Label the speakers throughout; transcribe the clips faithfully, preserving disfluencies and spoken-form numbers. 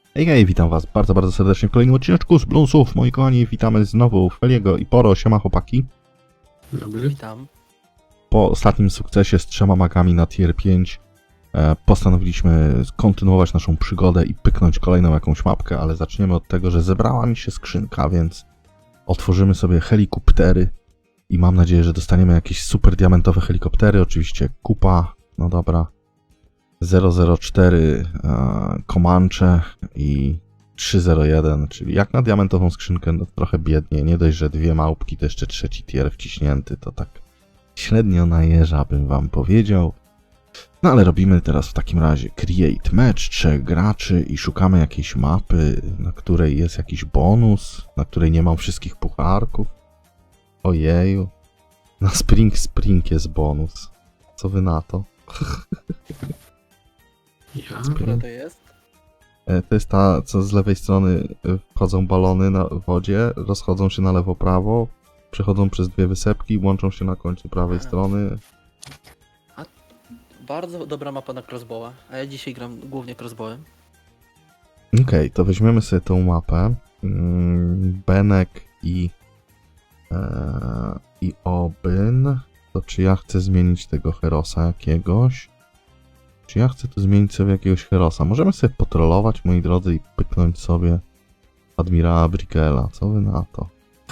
Speaker 1: Hej, hej, witam was bardzo, bardzo serdecznie w kolejnym odcineczku z Bloonsów. Moi kochani, witamy znowu Feliego i Poro. Siema chłopaki.
Speaker 2: Dobry.
Speaker 3: Witam.
Speaker 1: Po ostatnim sukcesie z trzema magami na tier pięć e, postanowiliśmy kontynuować naszą przygodę i pyknąć kolejną jakąś mapkę, ale zaczniemy od tego, że zebrała mi się skrzynka, więc otworzymy sobie helikoptery i mam nadzieję, że dostaniemy jakieś super diamentowe helikoptery. Oczywiście kupa, no dobra. zero zero cztery e, Comanche i trzy zero jeden, czyli jak na diamentową skrzynkę, no trochę biednie. Nie dość, że dwie małpki, to jeszcze trzeci tier wciśnięty, to tak średnio na jeża bym wam powiedział. No ale robimy teraz w takim razie create match, trzech graczy i szukamy jakiejś mapy, na której jest jakiś bonus, na której nie mam wszystkich pucharków. Ojeju. Na Spring Spring jest bonus. Co wy na to?
Speaker 2: Ja?
Speaker 3: Która to jest?
Speaker 1: E, To jest ta, co z lewej strony e, wchodzą balony na wodzie, rozchodzą się na lewo-prawo, przechodzą przez dwie wysepki, łączą się na końcu prawej
Speaker 3: A.
Speaker 1: strony.
Speaker 3: Bardzo dobra mapa na crossbowa, a ja dzisiaj gram głównie crossbowem.
Speaker 1: Okej, okay, to weźmiemy sobie tą mapę. Mm, Benek i, e, i Obyn. To czy ja chcę zmienić tego Herosa jakiegoś? Czy ja chcę tu zmienić sobie jakiegoś Herosa? Możemy sobie potrolować, moi drodzy, i pyknąć sobie Admirała Brickela. Co wy na to?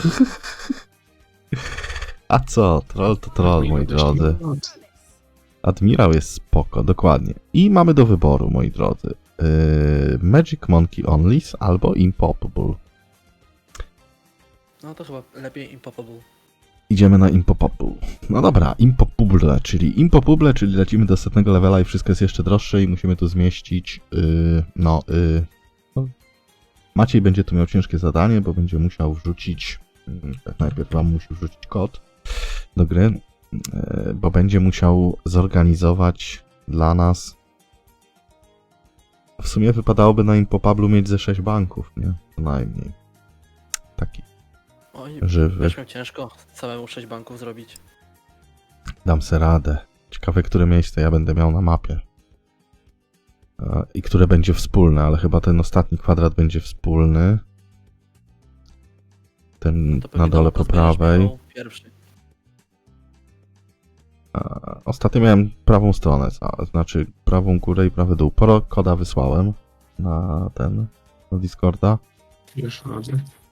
Speaker 1: A co? Troll to troll, moi drodzy. Admirał jest spoko, dokładnie. I mamy do wyboru, moi drodzy. Yy, Magic Monkey Onlys albo Impossible.
Speaker 3: No to chyba lepiej Impossible.
Speaker 1: Idziemy na Impossible. No dobra, Impossible, czyli Impossible, czyli lecimy do setnego levela i wszystko jest jeszcze droższe i musimy tu zmieścić, yy, no, yy, no, Maciej będzie tu miał ciężkie zadanie, bo będzie musiał wrzucić, yy, najpierw wam musi wrzucić kod do gry, yy, bo będzie musiał zorganizować dla nas, w sumie wypadałoby na Impossible mieć ze sześć banków, nie? Co najmniej. Taki
Speaker 3: Oj,
Speaker 1: żywy.
Speaker 3: będziesz miał ciężko samemu sześć banków zrobić.
Speaker 1: Dam se radę. Ciekawe, które miejsce ja będę miał na mapie. E, I które będzie wspólne, ale chyba ten ostatni kwadrat będzie wspólny. Ten
Speaker 3: No to pewnie
Speaker 1: na dole
Speaker 3: to
Speaker 1: po
Speaker 3: zmienisz
Speaker 1: prawej.
Speaker 3: miał Pierwszy.
Speaker 1: E, Ostatnio miałem prawą stronę, a, znaczy prawą górę i prawy dół. Poro koda wysłałem na ten, na Discorda.
Speaker 2: Już chodzę.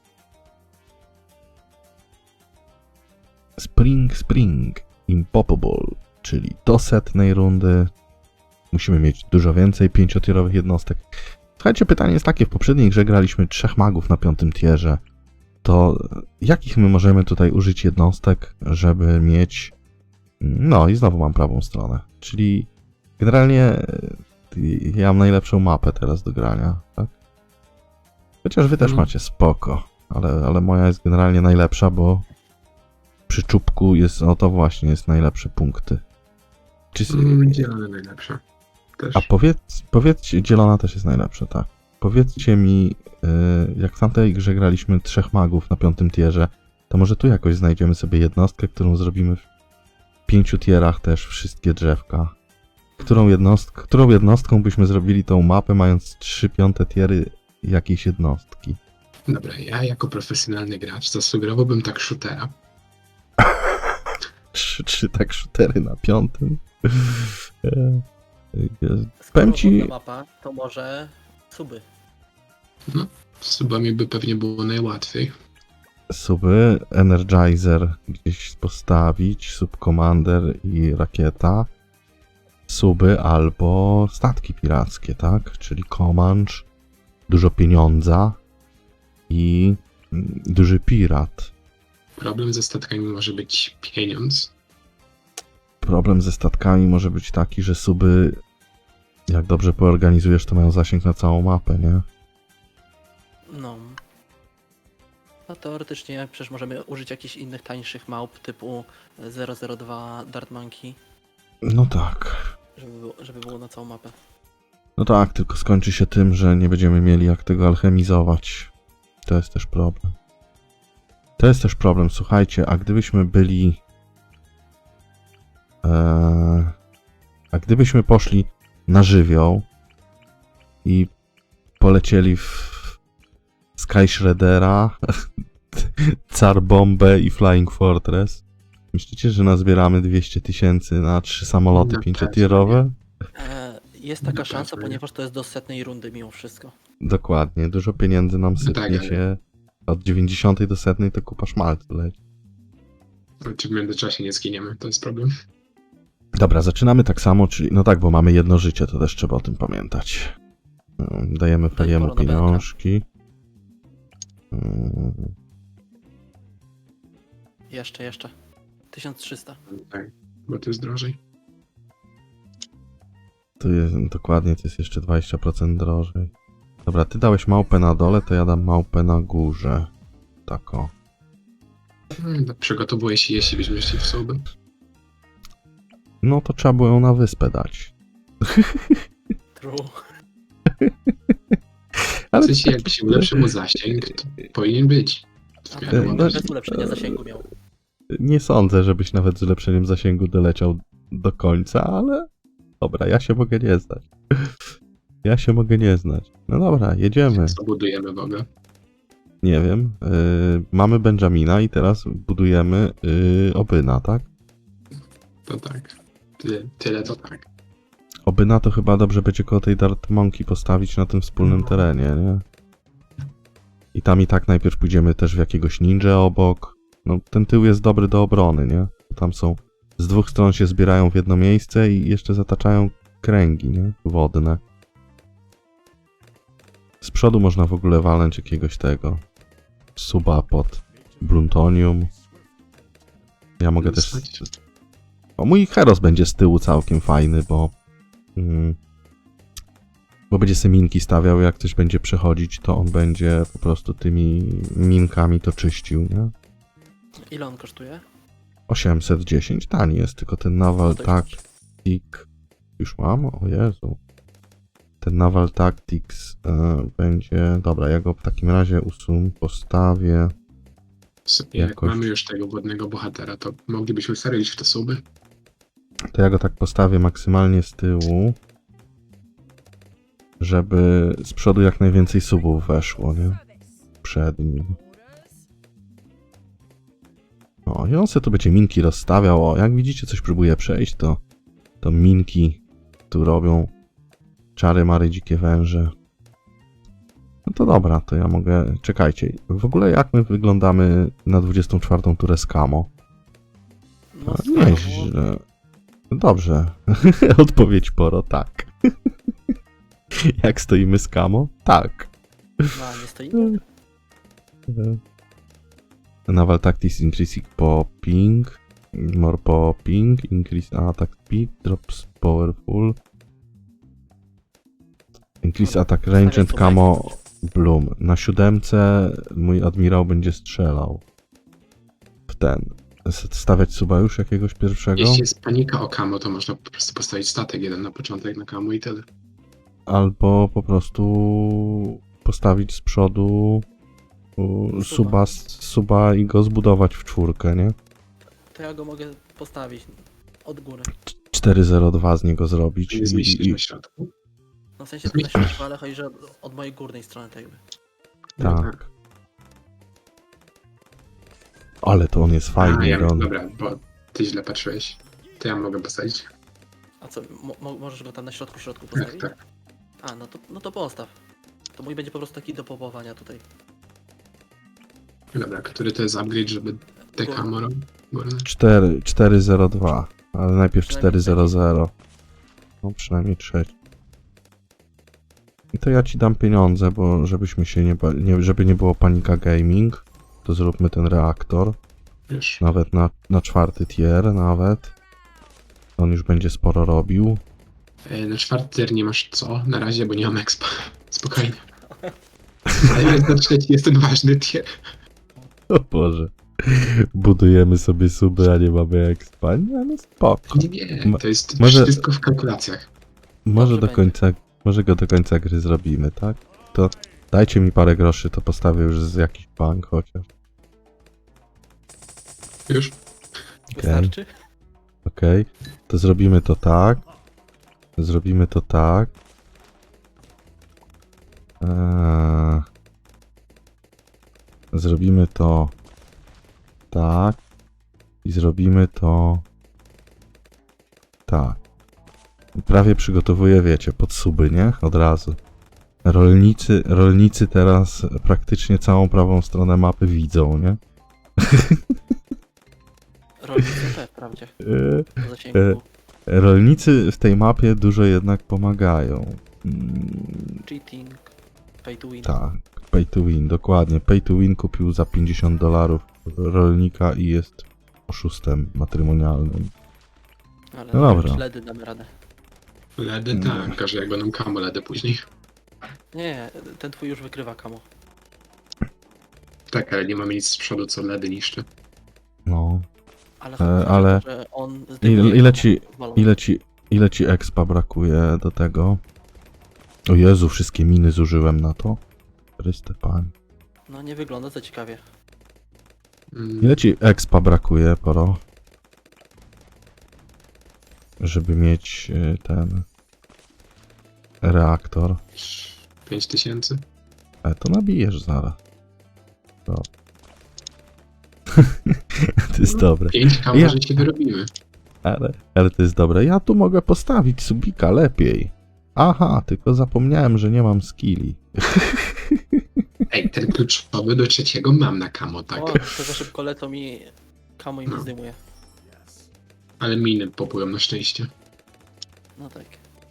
Speaker 1: Spring Spring Impossible, czyli do setnej rundy musimy mieć dużo więcej pięciotierowych jednostek. Słuchajcie, pytanie jest takie, w poprzedniej grze graliśmy trzech magów na piątym tierze, to jakich my możemy tutaj użyć jednostek, żeby mieć... No i znowu mam prawą stronę, czyli generalnie ja mam najlepszą mapę teraz do grania, tak? Chociaż wy też
Speaker 2: Mhm.
Speaker 1: macie spoko, ale, ale moja jest generalnie najlepsza, bo przy czubku jest, no to właśnie, jest najlepsze punkty. Czy,
Speaker 2: Mm, Zielone najlepsze. Też.
Speaker 1: a powiedz, powiedzcie, zielona też jest najlepsza, tak. Powiedzcie mi, yy, jak w tamtej grze graliśmy trzech magów na piątym tierze, to może tu jakoś znajdziemy sobie jednostkę, którą zrobimy w pięciu tierach też wszystkie drzewka. Którą, jednostk, którą jednostką byśmy zrobili tą mapę, mając trzy piąte tiery jakiejś jednostki?
Speaker 2: Dobra, ja jako profesjonalny gracz zasugerowałbym tak shootera.
Speaker 1: Trzy, trzy tak shootery na piątym. E, e,
Speaker 3: Skoro
Speaker 1: Powiem ci,
Speaker 3: wodna mapa, to może suby.
Speaker 2: Z subami by pewnie było najłatwiej.
Speaker 1: suby, Energizer gdzieś postawić, Subcommander i rakieta, suby albo statki pirackie, tak? Czyli Comanche, dużo pieniądza i mm, duży pirat.
Speaker 2: Problem ze statkami może być pieniądz.
Speaker 1: Problem ze statkami może być taki, że suby, jak dobrze poorganizujesz, to mają zasięg na całą mapę, nie?
Speaker 3: No. No teoretycznie przecież możemy użyć jakichś innych tańszych małp typu zero zero dwa Dart Monkey,
Speaker 1: No tak.
Speaker 3: żeby było, żeby było na całą mapę.
Speaker 1: No tak, tylko skończy się tym, że nie będziemy mieli jak tego alchemizować. To jest też problem. To jest też problem, słuchajcie, a gdybyśmy byli... Ee, a gdybyśmy poszli na żywioł i polecieli w Sky Shreddera, Car Bombę i Flying Fortress. Myślicie, że nazbieramy dwieście tysięcy na trzy samoloty
Speaker 2: No,
Speaker 1: pięciotierowe?
Speaker 3: E, jest taka
Speaker 2: No
Speaker 3: szansa,
Speaker 2: pewnie.
Speaker 3: ponieważ to jest do setnej rundy mimo wszystko.
Speaker 1: Dokładnie, dużo pieniędzy nam sypnie
Speaker 2: tak, ale-
Speaker 1: się. Od dziewięćdziesiątej do setnej to kupa szmalcu leci.
Speaker 2: Czy w międzyczasie nie zginiemy, to jest problem.
Speaker 1: Dobra, zaczynamy tak samo, czyli no tak, bo mamy jedno życie, to też trzeba o tym pamiętać. Mm, Dajemy Feliemu
Speaker 3: pora na
Speaker 1: pieniążki. Mm,
Speaker 3: Jeszcze, jeszcze. tysiąc trzysta.
Speaker 2: Tak, bo to jest drożej.
Speaker 1: Tu jest, dokładnie, to jest jeszcze dwadzieścia procent drożej. Dobra, ty dałeś małpę na dole, to ja dam małpę na górze. Tak o.
Speaker 2: Hmm, Przygotowuję się, jeśli byśmy szli w sobie.
Speaker 1: No to trzeba było ją na wyspę dać.
Speaker 3: True.
Speaker 2: W sensie, jak się ulepszy mu zasięg, to powinien być. W miarę
Speaker 1: no,
Speaker 2: ładny.
Speaker 3: Bez ulepszenia zasięgu miał.
Speaker 1: Nie sądzę, żebyś nawet z ulepszeniem zasięgu doleciał do końca, ale dobra, ja się mogę nie znać. Ja się mogę nie znać. No dobra, jedziemy.
Speaker 2: Co budujemy w ogóle?
Speaker 1: Nie wiem. Yy, mamy Benjamina i teraz budujemy yy, Obyna, tak?
Speaker 2: To tak. Tyle, tyle to tak.
Speaker 1: Obyna to chyba dobrze będzie koło tej Dart Monkey postawić na tym wspólnym terenie, nie? I tam i tak najpierw pójdziemy też w jakiegoś ninja obok. No ten tył jest dobry do obrony, nie? Tam są... Z dwóch stron się zbierają w jedno miejsce i jeszcze zataczają kręgi, nie? Wodne. Z przodu można w ogóle walnąć jakiegoś tego... Suba pod Bluntonium. Ja mogę też... O, mój Heros będzie z tyłu całkiem fajny, bo... Mm, bo będzie se minki stawiał, jak ktoś będzie przechodzić, to on będzie po prostu tymi minkami to czyścił, nie?
Speaker 3: Ile on kosztuje?
Speaker 1: osiemset dziesięć, tani jest, tylko ten Naval
Speaker 3: No to jest-
Speaker 1: Tactic... Już mam? O Jezu. Ten Naval Tactics e, będzie... Dobra, ja go w takim razie usun, postawię...
Speaker 2: Sobie, jak
Speaker 1: Jakoś-
Speaker 2: mamy już tego wodnego bohatera, to moglibyśmy serio iść w te suby?
Speaker 1: To ja go tak postawię maksymalnie z tyłu, żeby z przodu jak najwięcej subów weszło, nie? Przed nim. O, i on se tu będzie minki rozstawiał. O, jak widzicie, coś próbuje przejść, to, to minki tu robią czary, mary, dzikie węże. No to dobra, to ja mogę... Czekajcie, w ogóle jak my wyglądamy na dwudziestą czwartą turę z Kamo?
Speaker 3: No,
Speaker 1: A, nieźle. Dobrze. Odpowiedź poro, tak. Jak stoimy z Kamo? Tak.
Speaker 3: No, nie stoi.
Speaker 1: Naval Tactics Intrinsic Popping. More Popping. Increase Attack Speed. Drops Powerful. Increase Attack Range and Camo Bloom. Na siódemce mój admirał będzie strzelał. W ten. S- Stawiać suba już jakiegoś pierwszego?
Speaker 2: Jeśli jest panika o Kamo, to można po prostu postawić statek jeden na początek na Kamo i tyle.
Speaker 1: Albo po prostu postawić z przodu u, suba, suba i go zbudować w czwórkę, nie?
Speaker 3: To ja go mogę postawić od góry.
Speaker 1: cztery zero dwa z niego zrobić.
Speaker 2: Nie
Speaker 1: I,
Speaker 2: zmieścić
Speaker 1: i,
Speaker 2: na środku.
Speaker 3: No w sensie to na środku, ale chodzi, że od, od mojej górnej strony tak jakby.
Speaker 2: No
Speaker 1: tak. Ale to on jest
Speaker 2: A,
Speaker 1: fajny,
Speaker 2: ja,
Speaker 1: że on...
Speaker 2: dobra, bo ty źle patrzyłeś. To ja mogę postawić.
Speaker 3: A co, mo, mo, możesz go tam na środku, środku
Speaker 2: Tak,
Speaker 3: postawić?
Speaker 2: tak.
Speaker 3: A, no to, no to postaw. To mój będzie po prostu taki do popowania tutaj.
Speaker 2: Dobra, który to jest upgrade, żeby te
Speaker 3: Górny.
Speaker 2: Kamo robić? Górne?
Speaker 1: cztery, cztery zero dwa, ale najpierw cztery
Speaker 3: Przynajmniej
Speaker 1: zero zero. No przynajmniej trzeci. I to ja ci dam pieniądze, bo żebyśmy się nie, ba- nie żeby nie było panika gaming, to zróbmy ten reaktor.
Speaker 2: Już.
Speaker 1: Nawet na, na czwarty tier nawet. On już będzie sporo robił.
Speaker 2: E, Na czwarty tier nie masz co na razie, bo nie mam expa. Spokojnie. Ale na trzeci jest ten ważny tier.
Speaker 1: O Boże. Budujemy sobie suby, a nie mamy expa. Nie, no spoko.
Speaker 2: Nie, nie, to jest
Speaker 1: Może-
Speaker 2: wszystko w kalkulacjach.
Speaker 1: Może
Speaker 3: Dobrze
Speaker 1: do
Speaker 3: będzie.
Speaker 1: końca, może go do końca gry zrobimy, tak? To dajcie mi parę groszy, to postawię już z jakiś bank chociaż.
Speaker 2: Już?
Speaker 3: Wystarczy?
Speaker 1: Okej. To zrobimy to tak. Zrobimy to tak. Eee, Zrobimy to tak i zrobimy to tak. Prawie przygotowuję, wiecie, pod suby, nie? Od razu. Rolnicy, rolnicy teraz praktycznie całą prawą stronę mapy widzą, nie?
Speaker 3: Rolnicy te, wprawdzie.
Speaker 1: Yy,
Speaker 3: W zasięgu.
Speaker 1: e, Rolnicy w tej mapie dużo jednak pomagają. Mm,
Speaker 3: Cheating. Pay to win.
Speaker 1: tak, pay to win, dokładnie. Pay to win kupił za pięćdziesiąt dolarów rolnika i jest oszustem matrymonialnym.
Speaker 3: Ale
Speaker 1: no dobra.
Speaker 3: Ledy damy radę.
Speaker 2: Ledy tak, a że jak będą kamo ledy później.
Speaker 3: Nie, ten twój już wykrywa kamo.
Speaker 2: Tak, ale nie mamy nic z przodu, co ledy niszczy.
Speaker 1: No.
Speaker 3: Ale,
Speaker 1: E, ale
Speaker 3: że on
Speaker 1: ile,
Speaker 3: zdejmuje
Speaker 1: ile
Speaker 3: kamo
Speaker 1: ci,
Speaker 3: z balonu.
Speaker 1: ile ci, ile ci expa brakuje do tego? O Jezu, wszystkie miny zużyłem na to. Chryste Pan.
Speaker 3: No nie wygląda to ciekawie.
Speaker 2: Mm,
Speaker 1: Ile ci expa brakuje, Poro? Żeby mieć y, ten reaktor.
Speaker 2: pięć tysięcy?
Speaker 1: E, to nabijesz zaraz. No. To jest dobre.
Speaker 2: pięć k
Speaker 1: Ja-
Speaker 2: może się wyrobimy.
Speaker 1: Ale, ale to jest dobre. Ja tu mogę postawić subika lepiej. Aha, tylko zapomniałem, że nie mam skilli.
Speaker 2: Ej, ten kluczowy do trzeciego mam na kamo, tak.
Speaker 3: O, to za szybko lecą i kamo im
Speaker 2: No.
Speaker 3: zdejmuje.
Speaker 2: Ale miny popłyną na szczęście.
Speaker 3: No tak.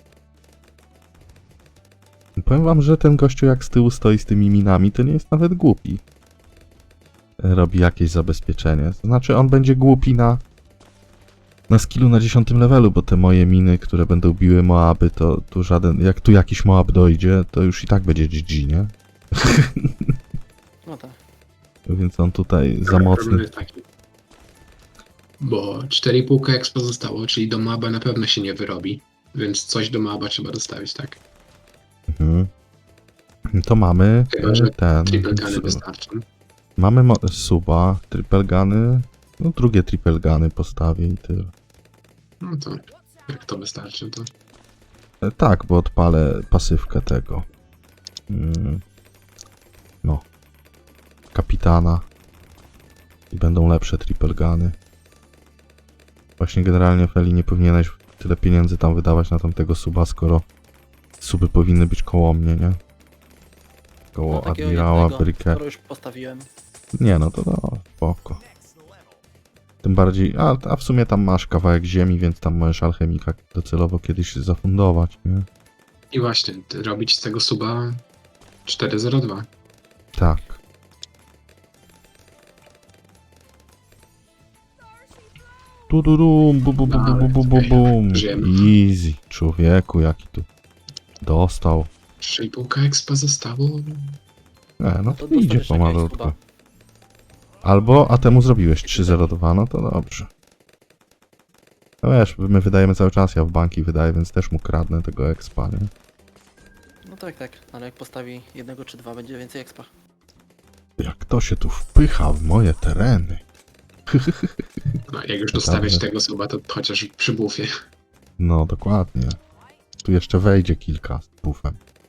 Speaker 1: Powiem wam, że ten gościu jak z tyłu stoi z tymi minami, to nie jest nawet głupi. Robi jakieś zabezpieczenie. To znaczy on będzie głupi na na skillu na dziesiątym levelu, bo te moje miny, które będą biły Moaby, to tu żaden... Jak tu jakiś Moab dojdzie, to już i tak będzie G G, nie?
Speaker 3: No tak.
Speaker 1: Więc on tutaj za
Speaker 2: Problem
Speaker 1: mocny.
Speaker 2: jest taki. Bo cztery i pół k expo zostało, czyli do Maba na pewno się nie wyrobi. Więc coś do Maba trzeba dostawić, tak?
Speaker 1: Mhm. To mamy
Speaker 2: Chyba, że
Speaker 1: e, ten...
Speaker 2: Triple guny
Speaker 1: su-
Speaker 2: wystarczą.
Speaker 1: Mamy mo- suba, triple guny, no drugie triple guny postawię i tyle.
Speaker 2: No to jak to wystarczy, to...
Speaker 1: E, tak, bo odpalę pasywkę tego. Mm. No. Kapitana. I będą lepsze triple guny. Właśnie generalnie Feli nie powinieneś tyle pieniędzy tam wydawać na tamtego suba, skoro suby powinny być koło mnie, nie? Koło
Speaker 3: No, takiego
Speaker 1: admirała,
Speaker 3: jednego,
Speaker 1: Brykę.
Speaker 3: skoro już postawiłem.
Speaker 1: Nie no, to no, spoko. Tym bardziej, a, a w sumie tam masz kawałek ziemi, więc tam możesz alchemika docelowo kiedyś zafundować, nie?
Speaker 2: I właśnie, ty- robić z tego suba cztery zero dwa.
Speaker 1: Tak. Tu du dum, bu bu bu bu bu bu bu bum.
Speaker 2: Żyjemy.
Speaker 1: Easy, człowieku, jaki tu dostał.
Speaker 2: trzy i pół k expa zostało.
Speaker 1: E, no
Speaker 3: To
Speaker 1: to idzie
Speaker 3: dostaniesz jakiegoś
Speaker 1: pomalutku.
Speaker 3: suba.
Speaker 1: Albo, a temu zrobiłeś trzy zero dwa, no to dobrze. No wiesz, my wydajemy cały czas, ja w banki wydaję, więc też mu kradnę tego expa, nie?
Speaker 3: No tak, tak. Ale jak postawi jednego czy dwa, będzie więcej expa.
Speaker 1: Jak to się tu wpycha w moje tereny.
Speaker 2: No, jak już
Speaker 1: To
Speaker 2: dostawiać
Speaker 1: dobrze.
Speaker 2: tego suba, to chociaż przy bufie.
Speaker 1: No, dokładnie. Tu jeszcze wejdzie kilka z buffem.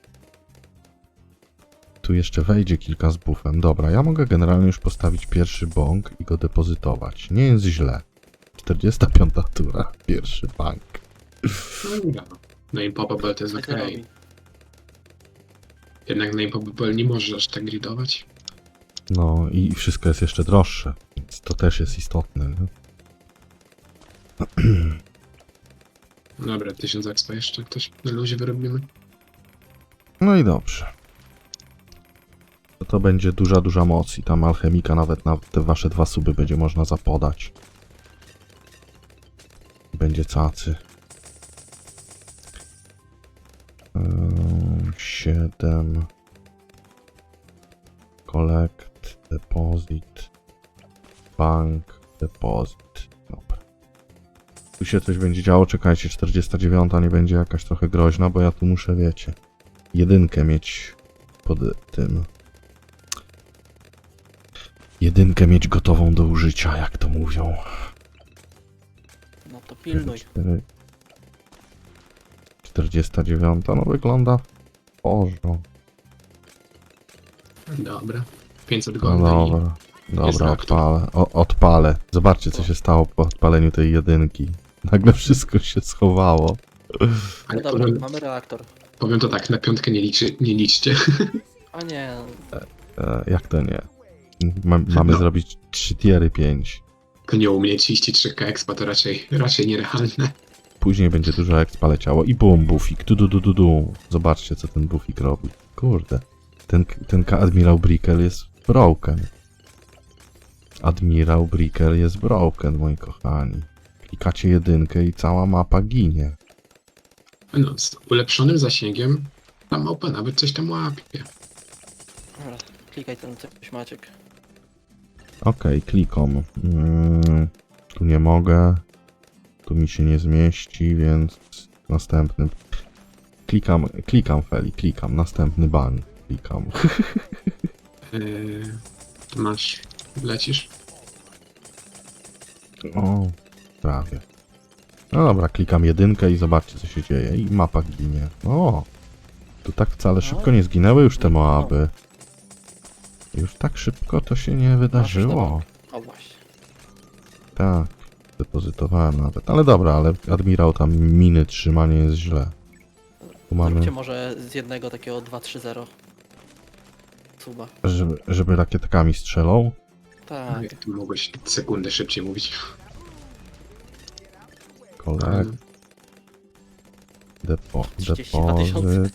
Speaker 1: Tu jeszcze wejdzie kilka z buffem. Dobra, ja mogę generalnie już postawić pierwszy bąk i go depozytować. Nie jest źle. czterdziesta piąta tura, pierwszy bank.
Speaker 2: No i dobra. No i Popable to jest
Speaker 3: Co
Speaker 2: okej.
Speaker 3: to robi?
Speaker 2: Jednak na Popable nie możesz aż tak gridować.
Speaker 1: No i wszystko jest jeszcze droższe, więc to też jest istotne. Nie?
Speaker 2: Dobra, tysiąc expa jeszcze ktoś na luzie wyrobimy.
Speaker 1: No i dobrze. To, to będzie duża, duża moc i tam alchemika nawet na te wasze dwa suby będzie można zapodać. Będzie cacy. Eee, siedem. Collect, deposit, bank, deposit. Dobra. Tu się coś będzie działo, czekajcie, czterdziesta dziewiąta nie będzie jakaś trochę groźna, bo ja tu muszę, wiecie, jedynkę mieć pod tym. Jedynkę mieć gotową do użycia, jak to mówią.
Speaker 3: No to pilnuj.
Speaker 1: cztery- czterdziesta dziewiąta, no wygląda w porządku.
Speaker 2: Dobra. pięćset
Speaker 1: No
Speaker 2: golda i
Speaker 1: dobra,
Speaker 2: jest
Speaker 1: dobra,
Speaker 2: reaktor.
Speaker 1: odpalę. O, odpalę. Zobaczcie, co się stało po odpaleniu tej jedynki. Nagle wszystko się schowało.
Speaker 3: No
Speaker 2: Ale
Speaker 3: dobra,
Speaker 2: powiem,
Speaker 3: mamy reaktor.
Speaker 2: powiem to tak, na piątkę nie, liczy, nie liczcie.
Speaker 3: A nie,
Speaker 1: E, jak to nie? Ma, mamy
Speaker 2: No.
Speaker 1: zrobić trzy tiery pięć.
Speaker 2: To nie u mnie trzydzieści trzy ka expa to raczej, raczej nierealne.
Speaker 1: Później będzie dużo expa leciało i bum, bufik, du du du du du. Zobaczcie, co ten bufik robi. Kurde. Ten, ten Admirał Brickell jest broken. Admirał Brickell jest broken, moi kochani. Klikacie jedynkę i cała mapa ginie.
Speaker 2: No, z ulepszonym zasięgiem ta małpa nawet coś tam łapie.
Speaker 3: dobra, klikaj ten coś Maciek.
Speaker 1: Okej, klikom. Mm, tu nie mogę. Tu mi się nie zmieści, więc następny. Klikam, klikam Feli, klikam. Następny ban. Klikam.
Speaker 2: Yy, tu masz, lecisz.
Speaker 1: O, prawie. No dobra, klikam jedynkę i zobaczcie, co się dzieje. I mapa ginie. O, tu tak wcale szybko nie zginęły już te Moaby. Już tak szybko to się nie wydarzyło.
Speaker 3: O właśnie.
Speaker 1: Tak, depozytowałem nawet. Ale dobra, ale admirał tam miny trzyma, nie jest źle. Tu mamy,
Speaker 3: Zróbcie może z jednego takiego dwa trzy zero. Suba.
Speaker 1: żeby, żeby rakietkami strzelał.
Speaker 3: Tak.
Speaker 2: Tu mogłeś sekundę szybciej mówić.
Speaker 1: Kolek. Depo,
Speaker 3: trzydzieści dwa tysiące.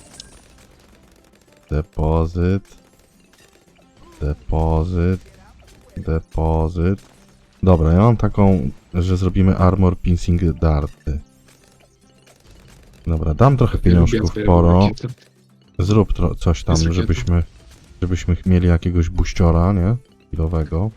Speaker 1: depozyt. Depozyt. Depozyt. Depozyt. Dobra, ja mam taką, że zrobimy armor piercing darty. Dobra, dam trochę pieniążków
Speaker 2: Lubię
Speaker 1: poro.
Speaker 2: rakiety.
Speaker 1: Zrób tro- coś tam,
Speaker 2: Jest rakieta.
Speaker 1: żebyśmy, żebyśmy mieli jakiegoś buściora, nie? Chwilowego.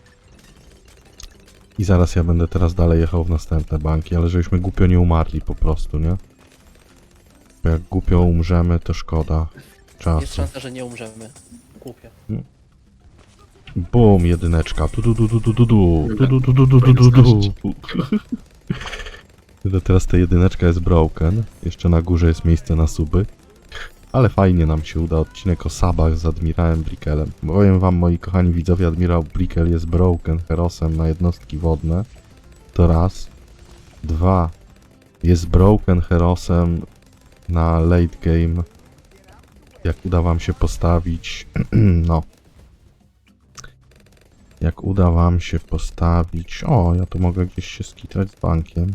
Speaker 1: I zaraz ja będę teraz dalej jechał w następne banki, ale żebyśmy głupio nie umarli po prostu, nie? Bo jak głupio umrzemy, to szkoda
Speaker 3: Jest
Speaker 1: czasu.
Speaker 3: szansa, że nie umrzemy. Głupio.
Speaker 1: Bum, jedyneczka. Tu du du du du du du. Tu du du du du du du du. To teraz ta jedyneczka jest broken. Jeszcze na górze jest miejsce na suby. Ale fajnie nam się uda odcinek o sabach z Admirałem Brickellem. Powiem wam, moi kochani widzowie, Admirał Brickell jest broken herosem na jednostki wodne. To raz. Dwa. Jest broken herosem na late game. Jak uda wam się postawić... no. Jak uda wam się postawić... O, ja tu mogę gdzieś się skitrać z bankiem.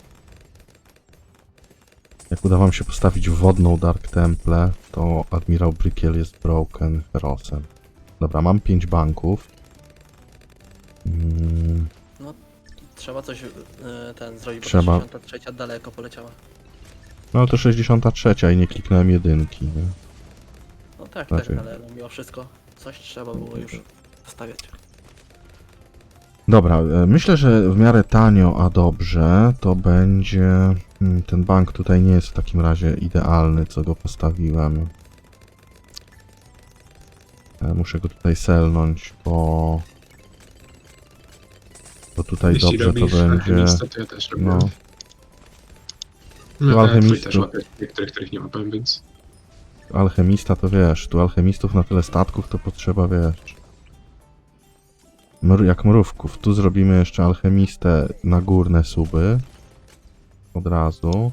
Speaker 1: Jak uda wam się postawić wodną Dark Temple, to Admirał Brickell jest broken herosem. Dobra, mam pięć banków. Mm,
Speaker 3: Trzeba coś yy, ten zrobić, bo
Speaker 1: Trzeba.
Speaker 3: ta sześćdziesiąta trzecia daleko poleciała.
Speaker 1: no to sześćdziesiąta trzecia i nie kliknąłem jedynki, nie?
Speaker 3: No tak,
Speaker 1: Znaczy-
Speaker 3: tak, ale no, mimo wszystko coś trzeba było już stawiać.
Speaker 1: Dobra, e, myślę, że w miarę tanio, a dobrze, to będzie... mm, Ten bank tutaj nie jest w takim razie idealny, co go postawiłem. E, Muszę go tutaj selnąć, bo... Bo tutaj
Speaker 2: Jeśli
Speaker 1: dobrze to
Speaker 2: robisz
Speaker 1: będzie...
Speaker 2: alchemistę, to ja też robię.
Speaker 1: No,
Speaker 2: No,
Speaker 1: Tu
Speaker 2: tak, twój
Speaker 1: alchemistów-
Speaker 2: też łapie niektórych, których nie łapałem, więc...
Speaker 1: alchemista to wiesz, tu alchemistów na tyle statków to potrzeba, wiesz... Mr jak mrówków. Tu zrobimy jeszcze alchemistę na górne suby. Od razu.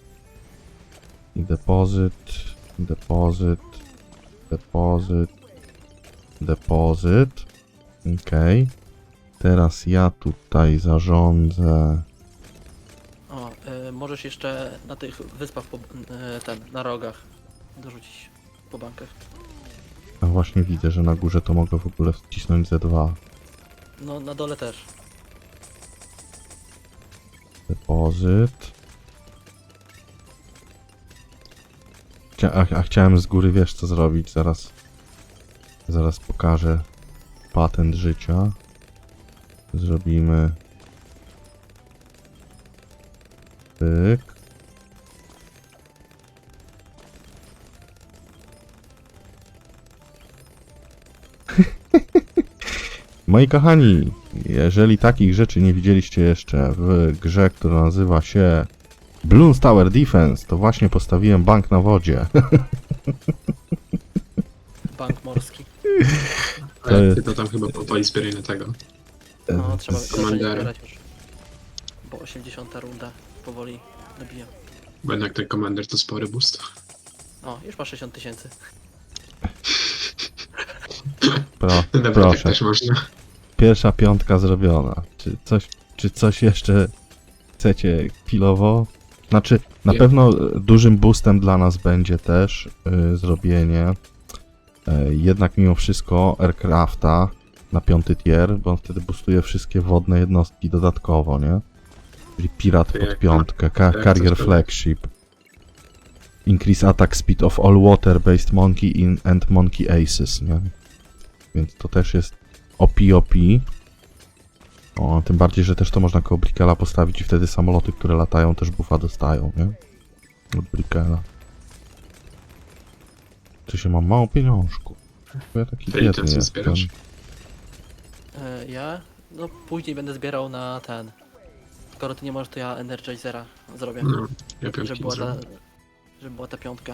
Speaker 1: I depozyt, depozyt, depozyt, depozyt. Okej. Teraz ja tutaj zarządzę...
Speaker 3: O, y, możesz jeszcze na tych wyspach, po, y, ten, na rogach dorzucić po bankach.
Speaker 1: A właśnie widzę, że na górze to mogę w ogóle wcisnąć Z dwa.
Speaker 3: No, na dole też.
Speaker 1: Depozyt. Chcia a, a chciałem z góry, wiesz co zrobić, zaraz zaraz pokażę patent życia. Zrobimy pyk. Moi kochani, jeżeli takich rzeczy nie widzieliście jeszcze w grze, która nazywa się Bloons Tower Defense, to właśnie postawiłem bank na wodzie.
Speaker 3: bank morski.
Speaker 2: Ale
Speaker 1: jest-
Speaker 2: ty to tam chyba powoli zbieraj na tego.
Speaker 3: No, trzeba
Speaker 1: z-
Speaker 3: zacząć
Speaker 2: Commander.
Speaker 3: zbierać już. Bo osiemdziesiąta runda powoli dobija.
Speaker 2: Bo jednak ten Commander to spory boost.
Speaker 3: O, już ma sześćdziesiąt tysięcy.
Speaker 1: Pro,
Speaker 2: Dobra, tak
Speaker 1: proszę.
Speaker 2: też można.
Speaker 1: Pierwsza piątka zrobiona. Czy coś, czy coś jeszcze chcecie chwilowo? Znaczy, na
Speaker 2: Nie.
Speaker 1: pewno dużym boostem dla nas będzie też y, zrobienie y, jednak mimo wszystko aircrafta na piąty tier, bo on wtedy boostuje wszystkie wodne jednostki dodatkowo, nie? Czyli pirat
Speaker 2: To
Speaker 1: pod
Speaker 2: jak-
Speaker 1: piątkę, ka-
Speaker 2: jak
Speaker 1: carrier
Speaker 2: coś to-
Speaker 1: flagship. Increase attack speed of all water-based monkey in and monkey aces, nie? Więc to też jest O P O P. O, tym bardziej, że też to można koło Brickela postawić i wtedy samoloty, które latają, też buffa dostają, nie? Od Brickela. Czy się mam mało pieniążków? Bo ja taki
Speaker 2: To i to
Speaker 1: biedny
Speaker 2: co
Speaker 1: jestem.
Speaker 2: zbierasz?
Speaker 3: E, ja? No później będę zbierał na ten. Skoro ty nie możesz, to ja Energizera zrobię.
Speaker 2: No, ja
Speaker 3: żeby,
Speaker 2: piątki
Speaker 3: była ta,
Speaker 2: zrobię.
Speaker 3: żeby była ta piątka.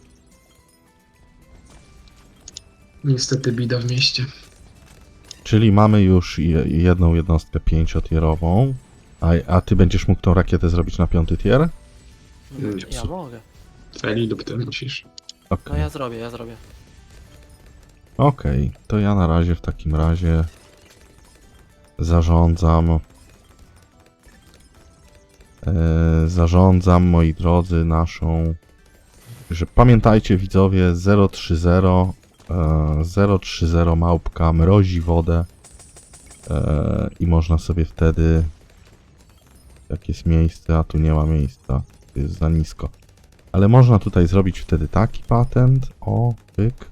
Speaker 2: Niestety bida w mieście.
Speaker 1: Czyli mamy już je, jedną jednostkę pięciotierową, a, a ty będziesz mógł tą rakietę zrobić na piąty tier?
Speaker 2: Mm,
Speaker 3: Ja mogę.
Speaker 2: Feli lub ty musisz.
Speaker 1: Okej.
Speaker 3: No ja zrobię, ja zrobię.
Speaker 1: Okej, to ja na razie w takim razie zarządzam. E, zarządzam, moi drodzy, naszą. Że pamiętajcie, widzowie, zero trzy zero e, zero trzy zero małpka mrozi wodę e, i można sobie wtedy. Jak jest miejsce, a tu nie ma miejsca, to jest za nisko. Ale można tutaj zrobić wtedy taki patent. O, pyk.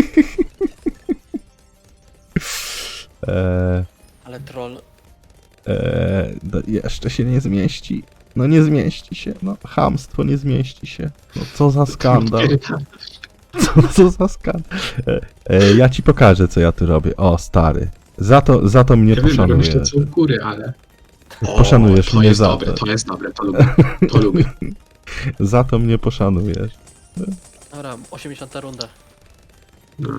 Speaker 1: Eee,
Speaker 3: Ale troll.
Speaker 1: eee, no jeszcze się nie zmieści. No nie zmieści się. No chamstwo nie zmieści się. No co za skandal. Co, co za skandal. E, e, ja ci pokażę, co ja tu robię. O, stary. Za to, za to mnie
Speaker 2: Ja wiem, że
Speaker 1: poszanujesz.
Speaker 2: jeszcze są góry, ale...
Speaker 1: Poszanujesz
Speaker 2: to
Speaker 1: mnie
Speaker 2: jest
Speaker 1: za
Speaker 2: dobre,
Speaker 1: to.
Speaker 2: to jest dobre, to lubię. To lubię.
Speaker 1: Za to mnie poszanujesz.
Speaker 3: Dobra, osiemdziesiąta runda.
Speaker 2: No.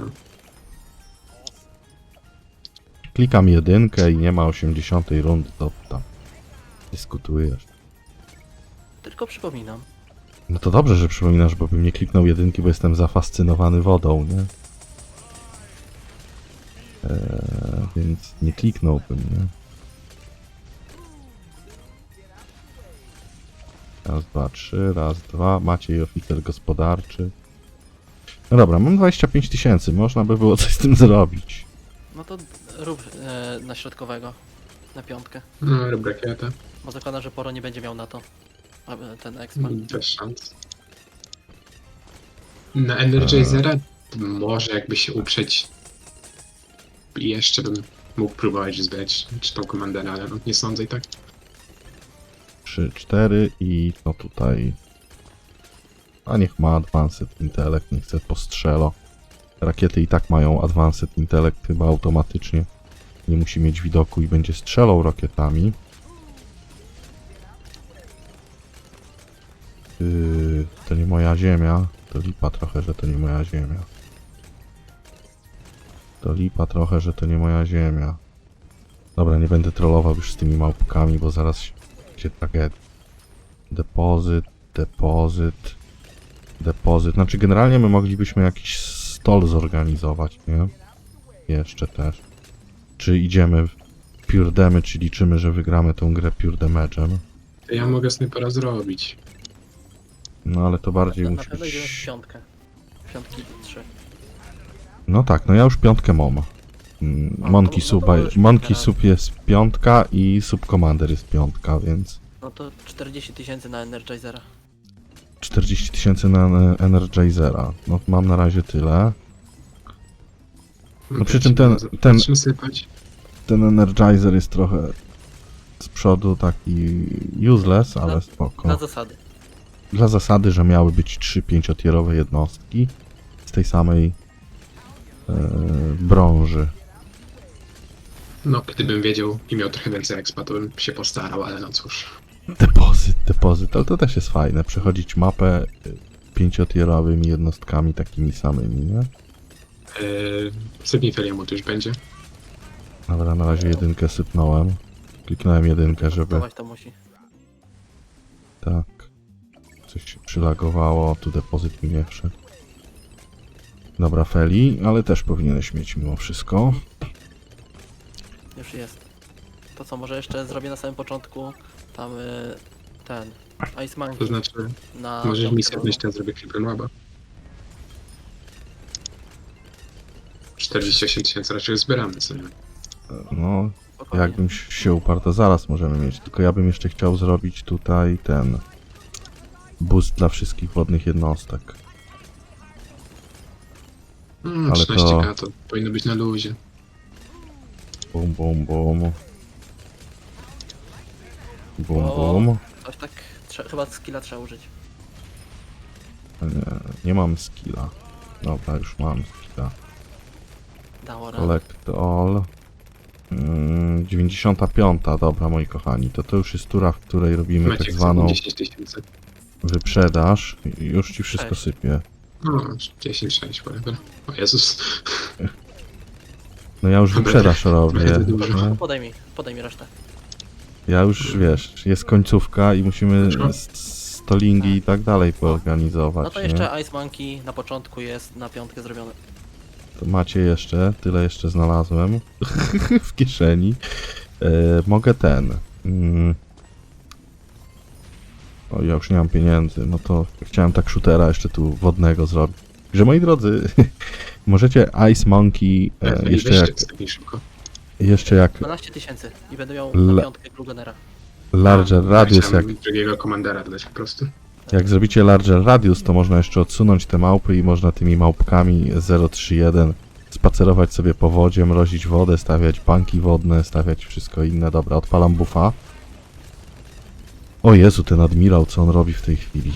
Speaker 1: Klikam jedynkę i nie ma osiemdziesiątej rundy. To tam dyskutujesz.
Speaker 3: Tylko przypominam.
Speaker 1: No to dobrze, że przypominasz, bo bym nie kliknął jedynki, bo jestem zafascynowany wodą, nie? Eee, więc nie kliknąłbym, nie? Raz, dwa, trzy, raz, dwa. Maciej, oficer gospodarczy. No dobra, mam dwadzieścia pięć tysięcy. Można by było coś z tym zrobić.
Speaker 3: No to rób e, na środkowego. Na piątkę.
Speaker 2: No, rób rakietę.
Speaker 3: Bo zakładam, że Poro nie będzie miał na to. a, e, Ten expa.
Speaker 2: Bez szans. Na Energizera może jakby się uprzeć. Jeszcze bym mógł próbować zbierać czy tą komandera, ale no, nie sądzę i tak.
Speaker 1: trzy, cztery i no tutaj. A niech ma Advanced Intellect, niech se postrzelo. Rakiety i tak mają Advanced Intellect chyba automatycznie. Nie musi mieć widoku i będzie strzelał rakietami. Yy, to nie moja ziemia. To lipa trochę, że to nie moja ziemia. To lipa trochę, że to nie moja ziemia. Dobra, nie będę trollował już z tymi małpkami, bo zaraz się będzie tragedia. Depozyt, depozyt, depozyt. Znaczy generalnie my moglibyśmy jakiś stol zorganizować, nie? Jeszcze też. Czy idziemy w Pure Damage, czy liczymy, że wygramy tą grę Pure Damage'em?
Speaker 2: To ja mogę snajpera zrobić.
Speaker 1: No ale to bardziej
Speaker 3: Na, na
Speaker 1: musi
Speaker 3: pewno idziemy w
Speaker 1: być...
Speaker 3: piątkę. Piątki trzy.
Speaker 1: No tak, no ja już piątkę mam. Mm,
Speaker 3: O,
Speaker 1: Monkey
Speaker 3: no to
Speaker 1: Soup,
Speaker 3: możesz
Speaker 1: Monkey
Speaker 3: teraz.
Speaker 1: Soup jest piątka i Sub Commander jest piątka, więc
Speaker 3: No to czterdzieści tysięcy na Energizera.
Speaker 1: czterdzieści tysięcy na e, Energizera. No mam na razie tyle. No przy czym ten- ten-
Speaker 2: Zaczynamy sypać.
Speaker 1: Ten Energizer jest trochę z przodu taki useless, ale
Speaker 3: Dla-
Speaker 1: spoko.
Speaker 3: Na zasady.
Speaker 1: Dla zasady, że miały być trzy pięciotierowe jednostki z tej samej e, brąży.
Speaker 2: No, gdybym wiedział i miał trochę więcej expa, to bym się postarał, ale no cóż.
Speaker 1: Depozyt, depozyt, ale to też jest fajne, przechodzić mapę y, pięciotierowymi jednostkami takimi samymi, nie?
Speaker 2: Yy, Sypnij Feliemu to już będzie.
Speaker 1: Dobra, na razie jedynkę sypnąłem. Kliknąłem jedynkę, żeby...
Speaker 3: Dawać to musi.
Speaker 1: Tak. Coś się przylagowało, tu depozyt mi nie wszedł. Dobra, Feli, ale też powinieneś mieć mimo wszystko.
Speaker 3: Już jest. To co, może jeszcze zrobię na samym początku tam y, ten Ice
Speaker 2: To
Speaker 3: Monkey
Speaker 2: znaczy,
Speaker 3: na
Speaker 2: możesz
Speaker 3: piątkę
Speaker 2: misję
Speaker 3: drugą.
Speaker 2: wnieść, ten zrobię Creeper Laba. czterdzieści osiem tysięcy raczej zbieramy, co nie?
Speaker 1: No,
Speaker 3: Spokojnie.
Speaker 1: jakbym się uparł, to zaraz możemy mieć. Tylko ja bym jeszcze chciał zrobić tutaj ten... boost dla wszystkich wodnych jednostek.
Speaker 2: Mm,
Speaker 1: Ale
Speaker 2: trzynaście
Speaker 1: to-
Speaker 2: K to powinno być na luzie.
Speaker 1: Bum, bum, bum. Bum,
Speaker 3: O.
Speaker 1: bum.
Speaker 3: Coś tak, trze- chyba skilla trzeba użyć.
Speaker 1: Nie, nie mam skilla. Dobra, już mam skilla.
Speaker 3: Dało radę.
Speaker 1: Collect all. Mm, dziewięćdziesiąta piąta, dobra moi kochani, to to już jest tura, w której robimy
Speaker 2: Macie
Speaker 1: tak zwaną
Speaker 2: dziesięć tysięcy.
Speaker 1: wyprzedaż. I już ci wszystko
Speaker 3: Sześć.
Speaker 1: sypie.
Speaker 2: No, dziesięć sześć, whatever. O Jezus.
Speaker 1: No ja już wyprzedaż robię.
Speaker 2: Będę dużo.
Speaker 1: nie?
Speaker 3: Podaj mi, podaj mi resztę.
Speaker 1: Ja już, wiesz, jest końcówka i musimy
Speaker 2: Dobrze.
Speaker 1: st- stolingi i tak dalej poorganizować,
Speaker 3: No to
Speaker 1: nie?
Speaker 3: jeszcze Ice Monkey na początku jest na piątkę zrobiony.
Speaker 1: To macie jeszcze, tyle jeszcze znalazłem w kieszeni. E, mogę ten. Mm. O, ja już nie mam pieniędzy, no to chciałem tak shootera jeszcze tu wodnego zrobić. Także moi drodzy, możecie Ice Monkey e, jeszcze jak,
Speaker 2: Sypnij szybko.
Speaker 1: jeszcze jak
Speaker 3: dwanaście tysięcy i będę miał
Speaker 1: Le-
Speaker 3: na piątkę Glugenera.
Speaker 1: Larger
Speaker 2: A,
Speaker 1: Radius, jak,
Speaker 2: chciałem drugiego komandera dodać po prostu.
Speaker 1: jak zrobicie Larger Radius, to można jeszcze odsunąć te małpy i można tymi małpkami zero trzy jeden spacerować sobie po wodzie, mrozić wodę, stawiać banki wodne, stawiać wszystko inne. Dobra, odpalam buffa. O Jezu, ten admirał, co on robi w tej chwili.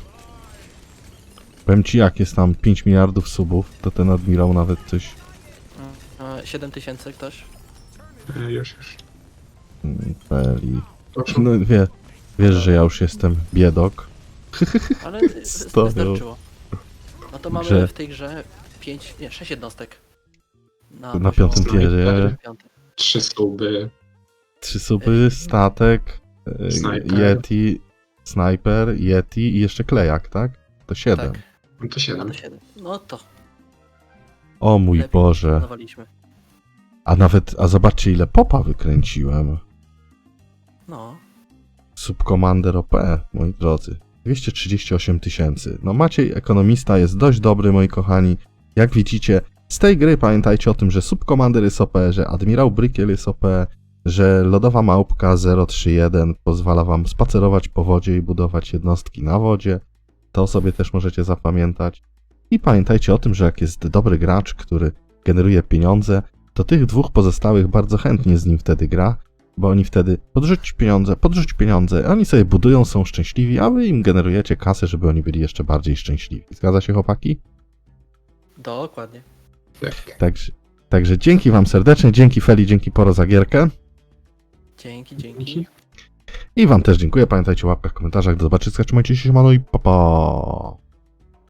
Speaker 1: Powiem ci, jak jest tam pięć miliardów subów, to ten admirał nawet coś...
Speaker 3: Mm, e, siedem tysięcy ktoś?
Speaker 2: E, już, już.
Speaker 1: mm, Peli.
Speaker 2: Proszę.
Speaker 1: No wie, wiesz, że ja już jestem biedok.
Speaker 3: Ale
Speaker 1: Sto
Speaker 3: wystarczyło. No to mamy
Speaker 1: Grze.
Speaker 3: w tej grze pięć, nie, sześć jednostek.
Speaker 1: Na
Speaker 3: poziom
Speaker 1: piątym tierze.
Speaker 3: piątym.
Speaker 2: Trzy stuby.
Speaker 1: Trzy suby, statek, e,
Speaker 2: Snajper.
Speaker 1: Yeti, Sniper, Yeti i jeszcze klejak, tak? To siedem.
Speaker 3: Tak,
Speaker 2: No to
Speaker 3: no
Speaker 2: siedem.
Speaker 3: to siedem. No to
Speaker 1: O mój
Speaker 3: lepiej
Speaker 1: Boże.
Speaker 3: planowaliśmy.
Speaker 1: A nawet, a zobaczcie ile popa wykręciłem.
Speaker 3: No,
Speaker 1: Subcommander O P, moi drodzy. dwieście trzydzieści osiem tysięcy. No Maciej Ekonomista jest dość dobry, moi kochani. Jak widzicie, z tej gry pamiętajcie o tym, że Subcommander jest O P, że Admirał Brykiel jest O P, że Lodowa Małpka zero trzy jeden pozwala wam spacerować po wodzie i budować jednostki na wodzie. To sobie też możecie zapamiętać. I pamiętajcie o tym, że jak jest dobry gracz, który generuje pieniądze, to tych dwóch pozostałych bardzo chętnie z nim wtedy gra, bo oni wtedy podrzuć pieniądze, podrzuć pieniądze, oni sobie budują, są szczęśliwi, a wy im generujecie kasę, żeby oni byli jeszcze bardziej szczęśliwi. Zgadza się, chłopaki?
Speaker 3: dokładnie.
Speaker 2: Tak.
Speaker 1: Także, także dzięki wam serdecznie, dzięki Feli, dzięki Poro za gierkę
Speaker 3: Dzięki, dzięki.
Speaker 2: Dzięki.
Speaker 1: i wam też dziękuję. Pamiętajcie o łapkach, komentarzach, do zobaczenia, trzymajcie się, siemano i pa pa!